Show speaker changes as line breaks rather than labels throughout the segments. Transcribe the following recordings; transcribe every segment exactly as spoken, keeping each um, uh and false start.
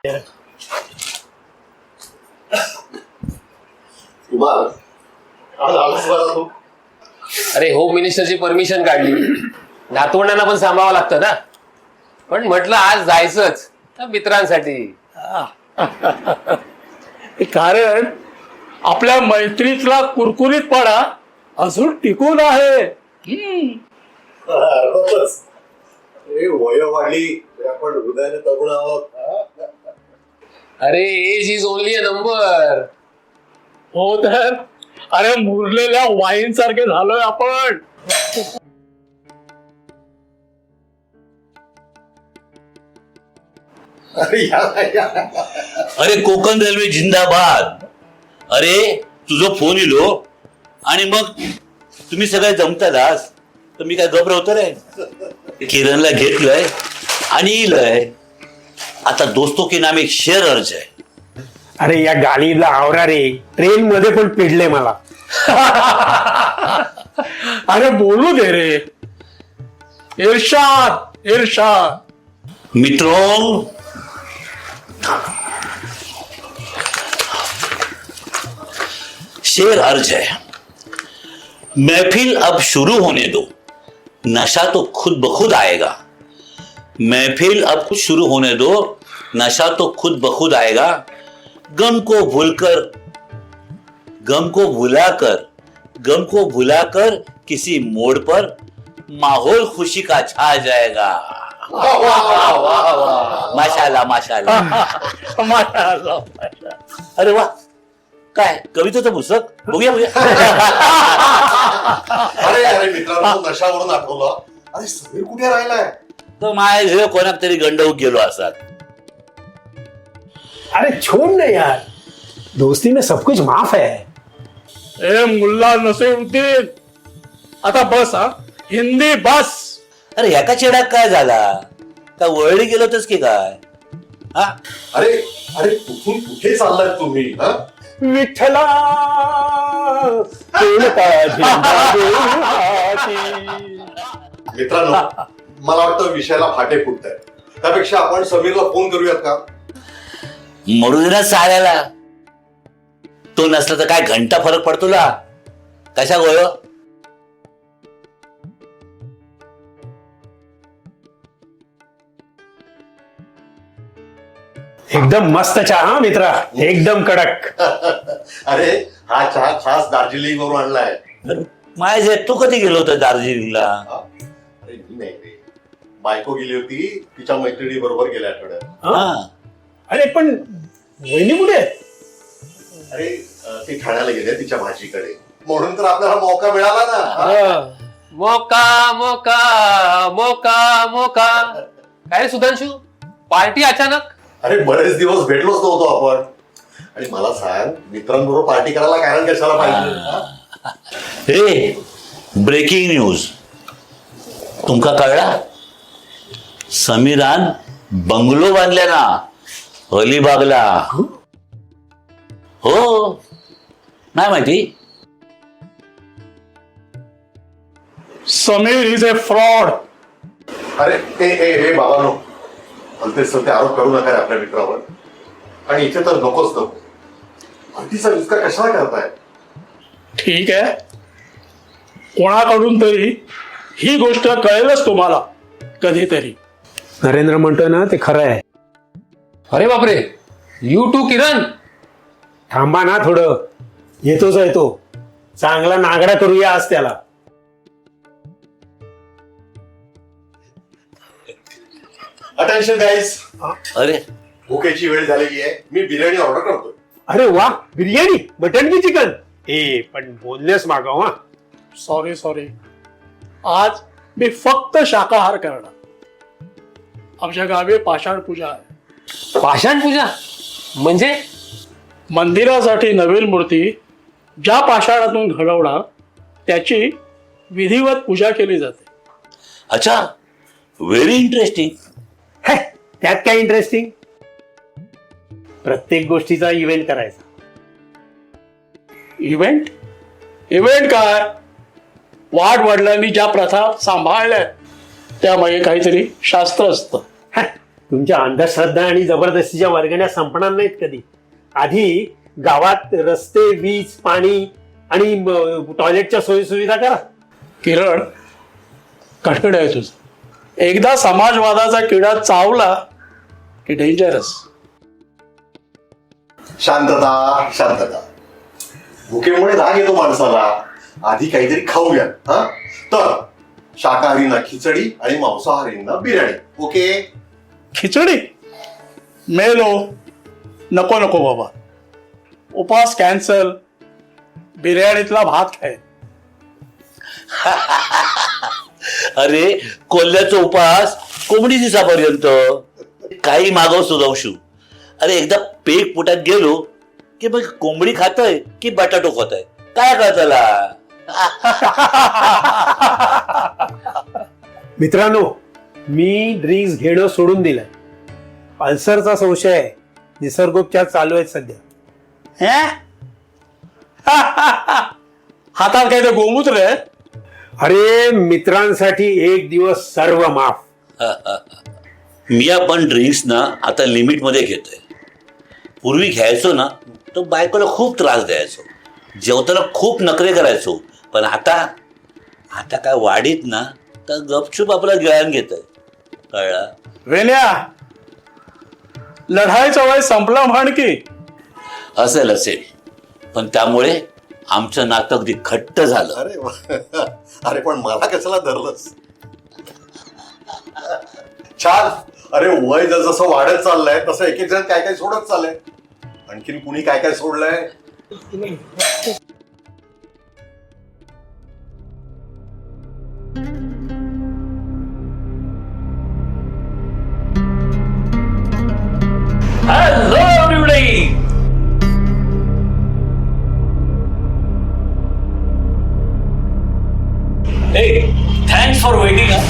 अरे home मिनिस्टरची permission काढली, नातवंडांना पण सांभाळावं लागतं ना, पण म्हटलं आज जायचंच मित्रांसाठी.
कारण आपल्या मैत्रीतला कुरकुरीतपणा अजून टिकून आहे.
वय वाढली आपण हृदयाने तरुण आहोत.
अरे age is only a number.
हो तर अरे मुरलेल्या वाईन सारखे झालोय आपण.
अरे कोकण रेल्वे जिंदाबाद. अरे तुझं फोन इलो आणि मग तुम्ही सगळे जमतातच तर मी काय घबरवतो रे. किरणला घेतलंय आणि इलय. आता दोस्तों के नाम एक शेर अर्ज आहे.
अरे या गाडीला आवरा रे, ट्रेन मध्ये पण पिडले मला.
अरे बोलू दे रे. इरशाद इरशाद.
मित्रों, शेर अर्ज है. महफिल अब शुरू होने दो, नशा तो खुद ब खुद आएगा. महफिल अब शुरू होने दो, नशा तो खुद ब खुद आएगा. गम को भूलकर गम को भुलाकर गम को भुलाकर किसी मोड़ पर माहौल खुशी का छा जाएगा. माशाल्लाह माशाल्लाह
माशाअल्लाह.
अरे वा, काय कवितेचं पुस्तक. बघूया बघूया.
अरे अरे मित्रांनो, नशावरून आठवलं. अरे समीर कुठे राहिलाय?
तर माझ्या घरी कोणाक तरी गंडवूक गेलो असतात.
अरे छोड़ ना यार, दोस्ती में सब कुछ माफ है.
ए मुल्ला नसीरुद्दीन, आता बस. हा हिंदी बस.
अरे ह्याका चेडाक काय झाला? का वळली गेलो होतस की काय? हा
अरे अरे कुठून कुठे चाललाय तुम्ही? हा?
विठ्ठला
मित्रांनो, मला वाटतं विषयाला फाटे फुटत आहे. त्यापेक्षा आपण समीरला फोन करूयात का?
मरू दे ना साऱ्याला. तो नसला तर काय घंटा फरक पडतो ला. कशा गोळ.
एकदम मस्त चहा मित्रा, एकदम कडक.
अरे हा चहा खास दार्जिलिंग वरून आणलाय.
माझे तू कधी गेलो होता दार्जिलिंगला?
अरे मी नाही रे, बायको गेली होती तिच्या मैत्रिणी बरोबर गेल्या आठवड्यात.
हा.
अरे पण वहिनी कुठे आहेत?
अरे ती ठाण्याला गेले तिच्या भाजीकडे, म्हणून तर आपल्याला मौका मिळाला ना.
मोका मोका मोका मोका. काय सुधांशू, पार्टी अचानक?
अरे बरेच दिवस भेटलोच नव्हतो आपण. आणि मला सांग, मित्रांबरोबर पार्टी करायला कारण कशाला पाहिजे?
हे ब्रेकिंग न्यूज तुमका कळला? समीरान बंगलो बांधल्या ना अलिबागला. हो, नाही माहिती?
Sameer is a fraud.
अरे ए ए ए बाबानो, भलते सत्य आरोप करू नका रे आपल्या मित्रावर. आणि इथे तर नकोच नको. भलतीचा विस्तार कशाला करताय?
ठीक आहे, कोणाकडून तरी ही गोष्ट कळेलच तुम्हाला कधीतरी.
नरेंद्र म्हणतोय ना ते खरं आहे.
अरे बापरे, यू टू किरण.
थांबा ना थोडं, येतोच आहे तो. चांगला नागडा करूया आज त्याला.
अटेन्शन गाईज,
अरे
भुकेची वेळ झालेली आहे. मी बिर्याणी ऑर्डर करतोय.
अरे वा, बिर्याणी, मटन की चिकन? ए पण बोललेस मागव. हा
सॉरी सॉरी, आज मी फक्त शाकाहार करणार. आमच्या गावी पाषाण पूजा आहे.
पाषाण पूजा म्हणजे?
मंदिरासाठी नवीन मूर्ती ज्या पाषाणातून घडवणार त्याची विधिवत पूजा केली जाते.
अच्छा, व्हेरी इंटरेस्टिंग.
हे, त्यात काय इंटरेस्टिंग? प्रत्येक गोष्टीचा इव्हेंट करायचा.
इव्हेंट इव्हेंट काय? वाढ वडिलांनी ज्या प्रथा सांभाळल्या त्यामागे काहीतरी शास्त्र असतं.
तुमच्या अंधश्रद्धा आणि जबरदस्तीच्या वर्गण्या संपणार नाहीत कधी. आधी गावात रस्ते, वीज, पाणी आणि म, टॉयलेटच्या सोयी सुविधा करा.
किरण, कटकड आहे तुझं. एकदा समाजवादाचा किडा चावला की डेंजरस.
शांतता शांतता. भुकेमुळे राग येतो माणसाला. आधी काहीतरी खाऊया. हा तर शाकाहारींना खिचडी आणि मांसाहारींना बिर्याणी. ओके.
खिचडी मेलो. नको नको बाबा, उपास कॅन्सल. बिर्याणीतला भात खाय.
अरे कोल्ह्याचा उपास कोंबडी दिसापर्यंत. काही मागव सुधावशू. अरे एकदा पेक पोटात गेलो की मग कोंबडी खातोय की बटाटो खातोय काय कळतला.
मित्रांनो, मी ड्रिंक्स घेणं सोडून दिलंय. अल्सरचा संशय आहे. निसर्गोपचार चालू आहेत सध्या.
हे? हातात काय ते गोमूत्र आहे?
अरे मित्रांसाठी एक दिवस सर्व माफ.
मी आपण ड्रिंक्स ना आता लिमिट मध्ये घेतोय. पूर्वी घ्यायचो ना तो बायकोला खूप त्रास द्यायचो. जेवताना खूप नखरे करायचो. पण आता आता काय वाढीत ना तर गपचूप आपला गिळान घेतोय. कळला?
वेण्या, लढाईचा वय संपला म्हण की.
असेल असेल पण त्यामुळे आमचं नातं अगदी घट्ट झालं.
अरे वा. अरे पण मला कशाला धरलंस. छान. अरे वय जसं वाढत चाललंय तसं एक एक जण काय काय सोडत चाललंय. आणखीन कुणी काय काय सोडलंय.
Hello everybody. Hey, thanks for waiting. Huh?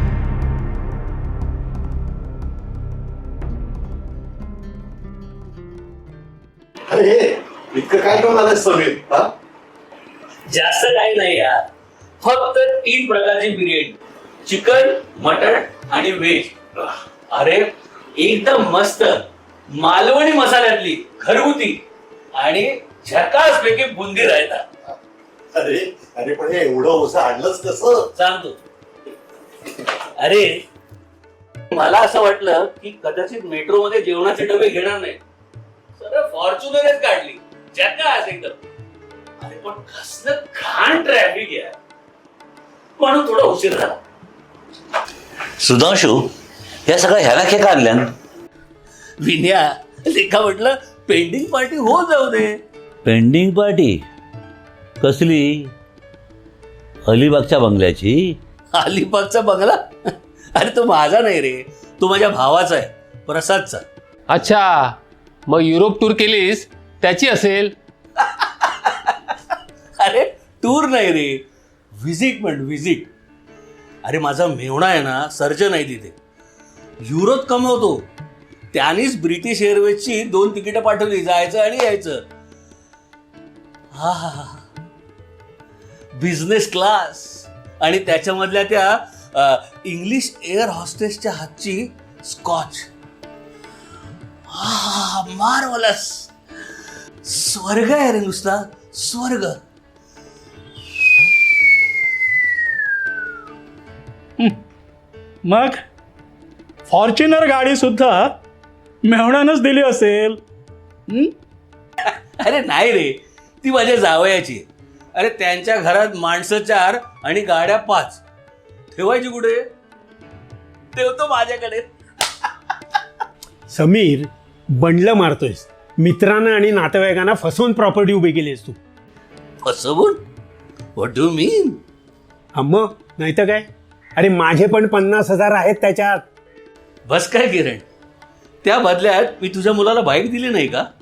अरे इतकं काय घेऊन आलंय समीर. हा
जास्त काही नाही यार, फक्त तीन प्रकारची बिर्याणी, चिकन, मटण आणि व्हेज. अरे एकदम मस्त मालवणी मसाल्यातली घरगुती आणि झकास पैकी बुंदी रायता.
अरे अरे पण हे एवढं ओझं आणलंच कसं.
सांगतो. अरे मला असं वाटलं की कदाचित मेट्रो मध्ये जेवणाचे डबे घेणार नाही, सरळ फॉर्च्युनरच काढली. झकास एकदम. अरे पण कसलं घाण ट्रॅफिक आहे म्हणून थोडा उशीर झाला.
सुधांशू, या सगळ्या ह्याला खेळ काढल्या.
विन्या लेखा म्हटलं पेंडिंग पार्टी हो जाऊ दे.
पेंडिंग पार्टी कसली? अलिबागच्या बंगल्याची?
अलिबागचा बंगला? अरे तो माझा नाही रे, तो माझ्या भावाचा आहे, प्रसादचा.
अच्छा, मग युरोप टूर केलीस त्याची असेल.
अरे टूर नाही रे, व्हिजिट म्हण व्हिजिट. अरे माझा मेवणा आहे ना, सर्जन आहे तिथे, युरोत कमवतो. त्यानेच ब्रिटिश एअरवेजची दोन तिकीटं पाठवली, जायचं आणि यायचं. हा हा हा बिझनेस क्लास. आणि त्याच्यामधल्या त्या इंग्लिश एअर हॉस्टेसच्या हातची स्कॉच. हा मार्वलस. स्वर्ग आहे रे, नुसता स्वर्ग.
मग फॉर्च्युनर गाडी सुद्धा मेहणानच दिली असेल.
अरे नाही रे, ती माझ्या जावयाची. अरे त्यांच्या घरात माणसं चार आणि गाड्या पाच, ठेवायची कुठे? ठेवतो माझ्याकडे.
समीर, बंडलं मारतोयस. मित्रांना आणि नातेवाईकांना फसवून प्रॉपर्टी उभी केलीस तू.
फसवून? व्हॉट डू मीन?
अम्म नाही तर काय. अरे माझे पण पन्नास हजार आहेत त्याच्यात.
बस काय किरण, त्या बदल्यात मी तुझ्या मुलाला बाईक दिली नाही का?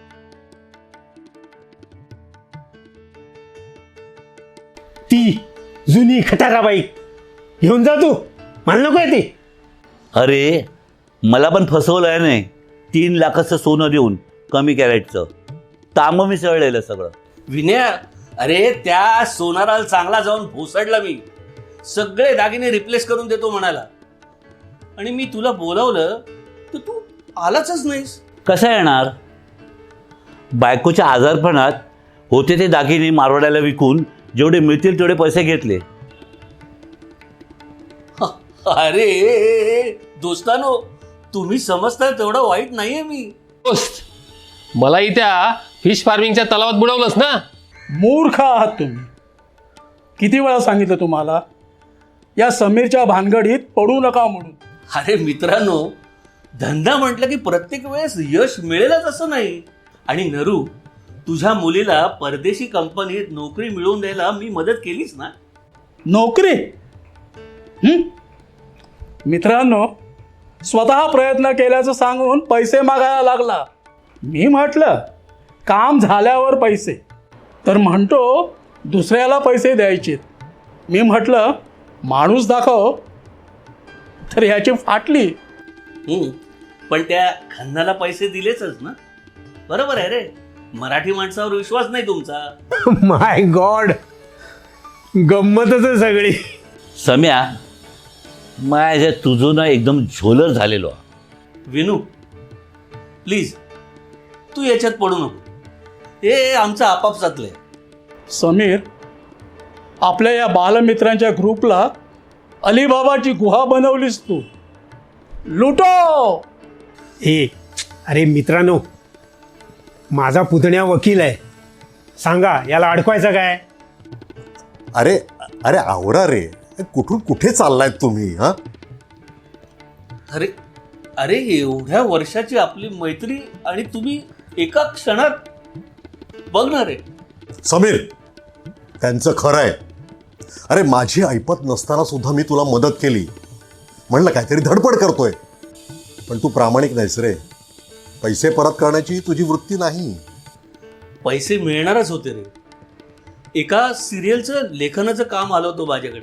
ती जुनी खटारा बाईक घेऊन जा तू. मला नको आहे ती.
अरे मला पण फसवलंय नाही. तीन लाखाचं सोनं देऊन कमी कॅरेटचं तांब मिसळलेलं सगळं.
विनया, अरे त्या सोनाराला चांगला जाऊन भोसडला मी. सगळे दागिने रिप्लेस करून देतो म्हणाला. आणि मी तुला बोलावलं तर तू आलाच नाहीस.
कसा येणार? बायकोच्या आजारपणात होते ते दागिने मारवाड्याला विकून जेवढे मिळतील तेवढे पैसे घेतले.
अरे दोस्तानो, तुम्ही समजता तेवढा वाईट नाहीये मी.
दोस्त, मलाही त्या फिश फार्मिंगच्या तलावात बुडवलंस ना.
मूर्ख आहात तुम्ही. किती वेळा सांगितलं तुम्हाला या समीरच्या भानगडीत पडू नका म्हणून.
अरे मित्रांनो, धंदा म्हटलं की प्रत्येक वेळेस यश मिळेलच असं नाही. आणि नरू, तुझ्या मुलीला परदेशी कंपनीत नोकरी मिळवून द्यायला मी मदत केलीच ना.
नोकरी? हं? मित्रांनो, स्वतः प्रयत्न केल्याचं सांगून पैसे मागायला लागला. मी म्हटलं काम झाल्यावर पैसे, तर म्हणतो दुसऱ्याला पैसे द्यायचे. मी म्हटलं माणूस दाखव, तर ह्याची फाटली.
हम्म, पण त्या खन्नाला पैसे दिलेच ना. बरोबर आहे रे, मराठी माणसावर विश्वास नाही तुमचा.
माय गॉड, गंमतच आहे सगळी.
सम्या, माझ्या तुझं ना एकदम झोलर झालेलो.
विनू, प्लीज तू याच्यात पडू नको. हे आमचं आपापसातलंय.
समीर, आपल्या या बालमित्रांच्या ग्रुपला अलिबाबाची गुहा बनवलीस तू. लुटो.
ए अरे मित्रांनो, माझा पुतण्या वकील आहे, सांगा याला अडकवायचं काय?
अरे अरे आवरा रे, कुठून कुठे चाललायत तुम्ही? हा
अरे अरे एवढ्या वर्षाची आपली मैत्री आणि तुम्ही एका क्षणात बघणार आहे.
समीर, त्यांचं खरं आहे. अरे माझी ऐपत नसताना सुद्धा मी तुला मदत केली, म्हणलं काहीतरी धडपड करतोय, पण तू प्रामाणिक नाहीस रे. पैसे परत करण्याची तुझी वृत्ती नाही.
पैसे मिळणारच होते रे. एका सिरियलचं लेखनाचं काम आलं होतं माझ्याकडे,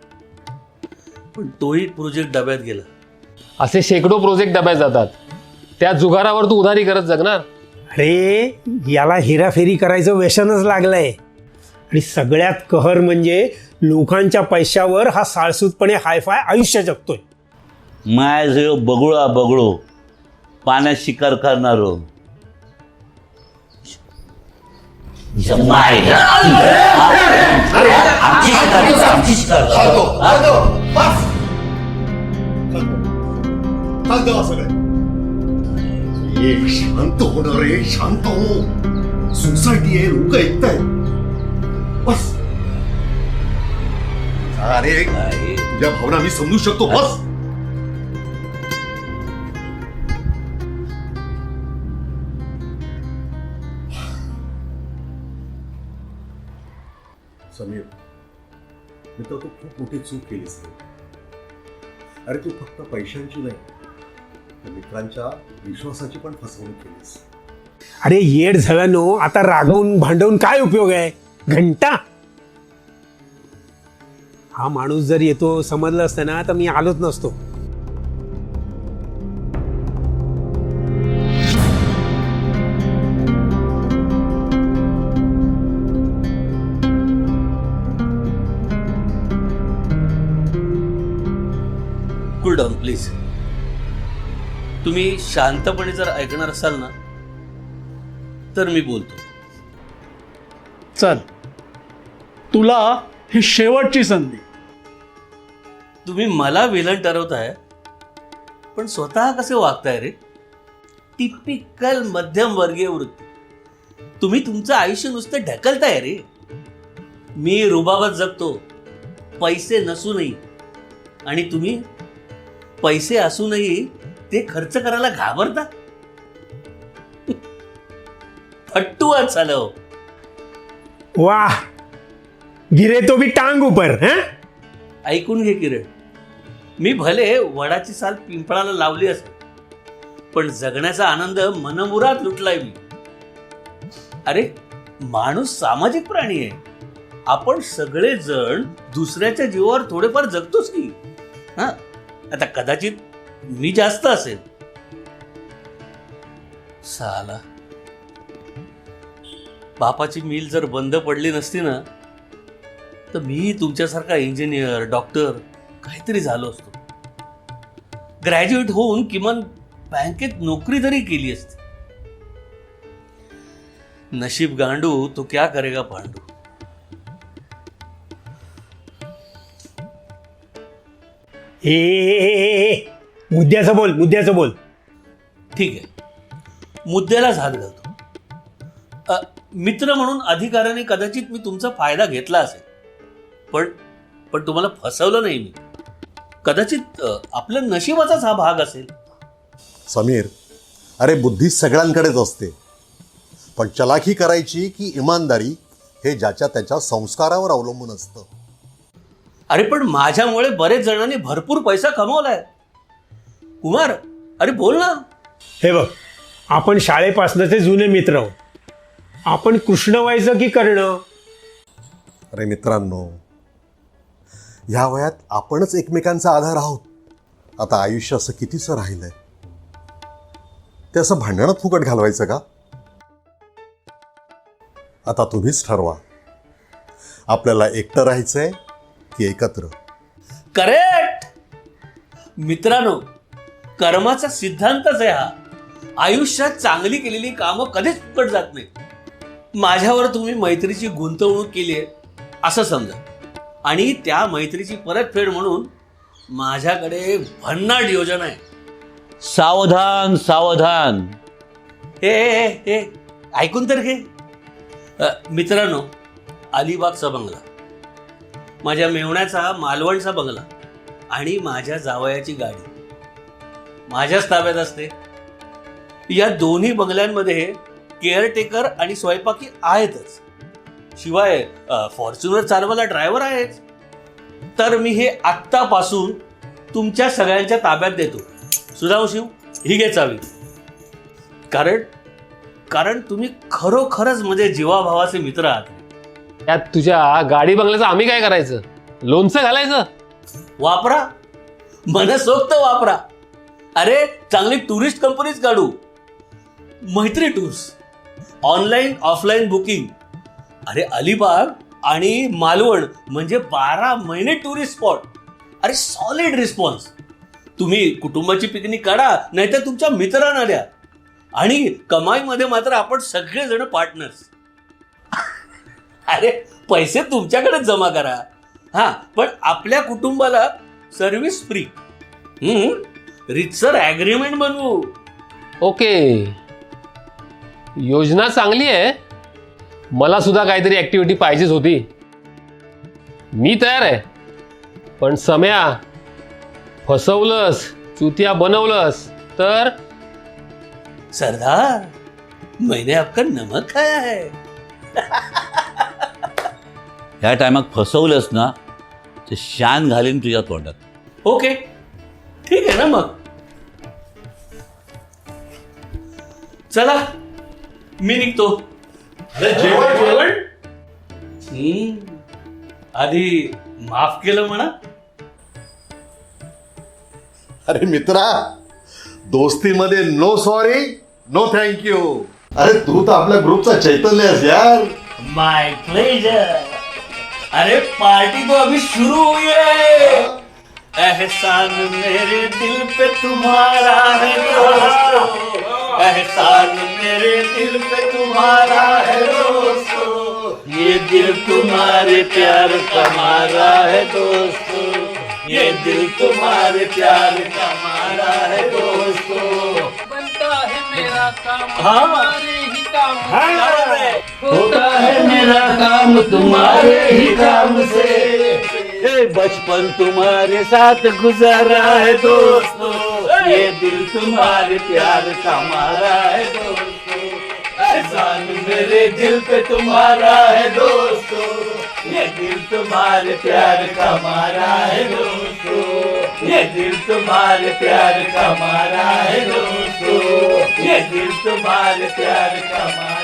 पण तोही प्रोजेक्ट डब्यात गेला.
असे शेकडो प्रोजेक्ट डब्यात जातात, त्या जुगारावर तू उधारी करत जगणार.
अरे याला हेराफेरी करायचं व्यसनच लागलंय. आणि सगळ्यात कहर म्हणजे लोकांच्या पैशावर हा साळसूतपणे हायफाय आयुष्य जगतोय.
माय जो बगळा बगळो पाण्यात शिकार करणारो.
शांत होणार रे, शांत हो. सोसायटी आहे, लोक ऐकतायत. बस. अरे तुझ्या भावना मी समजू शकतो. बस. समीर, मित्र, तू खूप मोठी चूक केलीस. अरे तू फक्त पैशांची नाही, तर मित्रांच्या विश्वासाची पण फसवणूक केलीस.
अरे येड झाल्यानो, आता रागवून भांडवून काय उपयोग आहे? घंटा. हा माणूस जर येतो समजलं असतं ना, तर मी आलोच नसतो.
Cool down please. तुम्ही शांतपणे जर ऐकणार असाल ना, तर मी बोलतो.
चल, तुला ही शेवटची संधी.
तुम्ही मला विलन ठरवताय, पण स्वतः कसे वागताय रे? टिपिकल मध्यमवर्गीय वृत्ती. तुम्ही तुमचं आयुष्य नुसतं ढकलताय रे. मी रुबाबात जगतो, पैसे नसूनही, आणि तुम्ही पैसे असूनही ते खर्च करायला घाबरता. फट्टू आज झालं.
वाह, गिरे तो भी टांग ऊपर. हैं?
ऐकून घे किरण, मी भले वडाची साल पिंपळाला लावली असेल, पण जगण्याचा आनंद मनमुराद लुटलाय मी. अरे माणूस सामाजिक प्राणी आहे. आपण सगळेजण दुसऱ्याच्या जीवावर थोडेफार जगतोच की. हा, आता कदाचित मी जास्त असेल. साला, बापाची मिल जर बंद पडली नसती ना, तर मी तुमच्यासारखा इंजिनियर, डॉक्टर काहीतरी झालो असतो. ग्रॅज्युएट होऊन किमान बँकेत नोकरी तरी केली असती. नशीब गांडू तो क्या करेगा पांडू.
ए, ए, ए, ए, मुद्द्याचं बोल मुद्द्याचं बोल.
ठीक आहे, मुद्द्यालाच हात घालतो. अ, मित्र म्हणून अधिकाराने कदाचित मी तुमचा फायदा घेतला असेल, पण पण तुम्हाला फसवलं नाही मी. कदाचित अ, आपल्या नशिबाचाच हा भाग असेल.
समीर, अरे बुद्धी सगळ्यांकडेच असते, पण चलाखी करायची की इमानदारी हे ज्याच्या त्याच्या संस्कारावर अवलंबून असतं.
अरे पण माझ्यामुळे बरेच जणांनी भरपूर पैसा कमवलाय. कुमार, अरे बोल ना.
हे बघ, आपण शाळेपासनंचे जुने मित्र आहोत. आपण कृष्ण व्हायचं की कर्ण.
अरे मित्रांनो, ह्या वयात आपणच एकमेकांचा आधार आहोत. आता आयुष्य असं कितीसं राहिलंय, ते असं भांडणात फुकट घालवायचं का? आता तुम्हीच ठरवा, आपल्याला एकटं राहायचंय की एकत्र.
करेक्ट. मित्रांनो, कर्माचा सिद्धांतच आहे हा. आयुष्यात चांगली केलेली कामं कधीच फुकट जात नाही. माझ्यावर तुम्ही मैत्रीची गुंतवणूक केली आहे असं समजा, आणि त्या मैत्रीची परतफेड म्हणून माझ्याकडे भन्नाट योजना आहे.
सावधान सावधान.
हे हे हे ऐकून तर घे. अ, मित्रांनो, अलिबागचा बंगला, माझ्या मेवण्याचा मालवणचा बंगला आणि माझ्या जावयाची गाडी माझ्याच ताब्यात असते. या दोन्ही बंगल्यांमध्ये केअरटेकर आणि स्वयंपाकी आहेतच, शिवाय फॉर्च्युनर चालवायला ड्रायव्हर आहेच. तर मी हे आत्तापासून तुमच्या सगळ्यांच्या ताब्यात देतो. सुधांशू, ही घे चावी. कारण कारण तुम्ही खरोखरच म्हणजे जीवाभावाचे मित्र आहात.
त्यात तुझ्या गाडी बंगल्याचं आम्ही काय करायचं? लोणचं घालायचं?
वापरा, मनसोक्त वापरा. अरे चांगली टुरिस्ट कंपनीच काढू. मैत्री टूर्स, ऑनलाईन ऑफलाईन बुकिंग. अरे अलिबाग आणि मालवण म्हणजे बारा महिने टुरिस्ट स्पॉट. अरे सॉलिड रिस्पॉन्स. तुम्ही कुटुंबाची पिकनिक काढा, नाहीतर तुमच्या मित्रांना द्या, आणि कमाईमध्ये मात्र आपण सगळेजण पार्टनर्स. अरे पैसे तुमच्याकडेच जमा करा, हा, पण आपल्या कुटुंबाला सर्व्हिस फ्री. हम्म रितसर ॲग्रीमेंट बनवू.
ओके, योजना चांगली आहे. मला सुद्धा काहीतरी ऍक्टिव्हिटी पाहिजेच होती. मी तयार आहे, पण सम्या, फसवलंस, चुतिया बनवलंस तर
सरदार, मैंने आपका नमक खाया है.
ह्या टायमात फसवलंस ना तर शान घालीन तुझ्या तोंडात.
ओके, ठीक आहे ना मग. चला, मी निघतो.
जेवण जेवण
हम्म, आधी माफ केलं म्हणा.
अरे मित्रा, दोस्तीमध्ये नो सॉरी नो थँक्यू. अरे तू तर आपल्या ग्रुपचा चैतन्य आहेस यार.
माय प्लेजर. अरे पार्टी तो अभी शुरू हुई है. एहसान मेरे दिल पे तुम्हारा है दोस्तों, एहसान मेरे दिल पे तुम्हारा है दोस्तों, ये दिल तुम्हारे प्यार का मारा है दोस्तों, ये दिल तुम्हारे प्यार का मारा है दोस्तों.
बनता है मेरा काम
हाँ.
तुम्हारे ही काम
हाँ.
होता है मेरा काम तुम्हारे ही काम से.
ए, बचपन तुम्हारे साथ गुजारा है दोस्तों, ये दिल तुम्हारे प्यार का मारा है दोस्तों, एहसान मेरे दिल पे तुम्हारा है दोस्तों, ये दिल तुम्हारे प्यार का मारा है दोस्तों, ये दिल तुम्हारे प्यार का मारा है दोस्तों, ये दिल तुम्हारे प्यार का मारा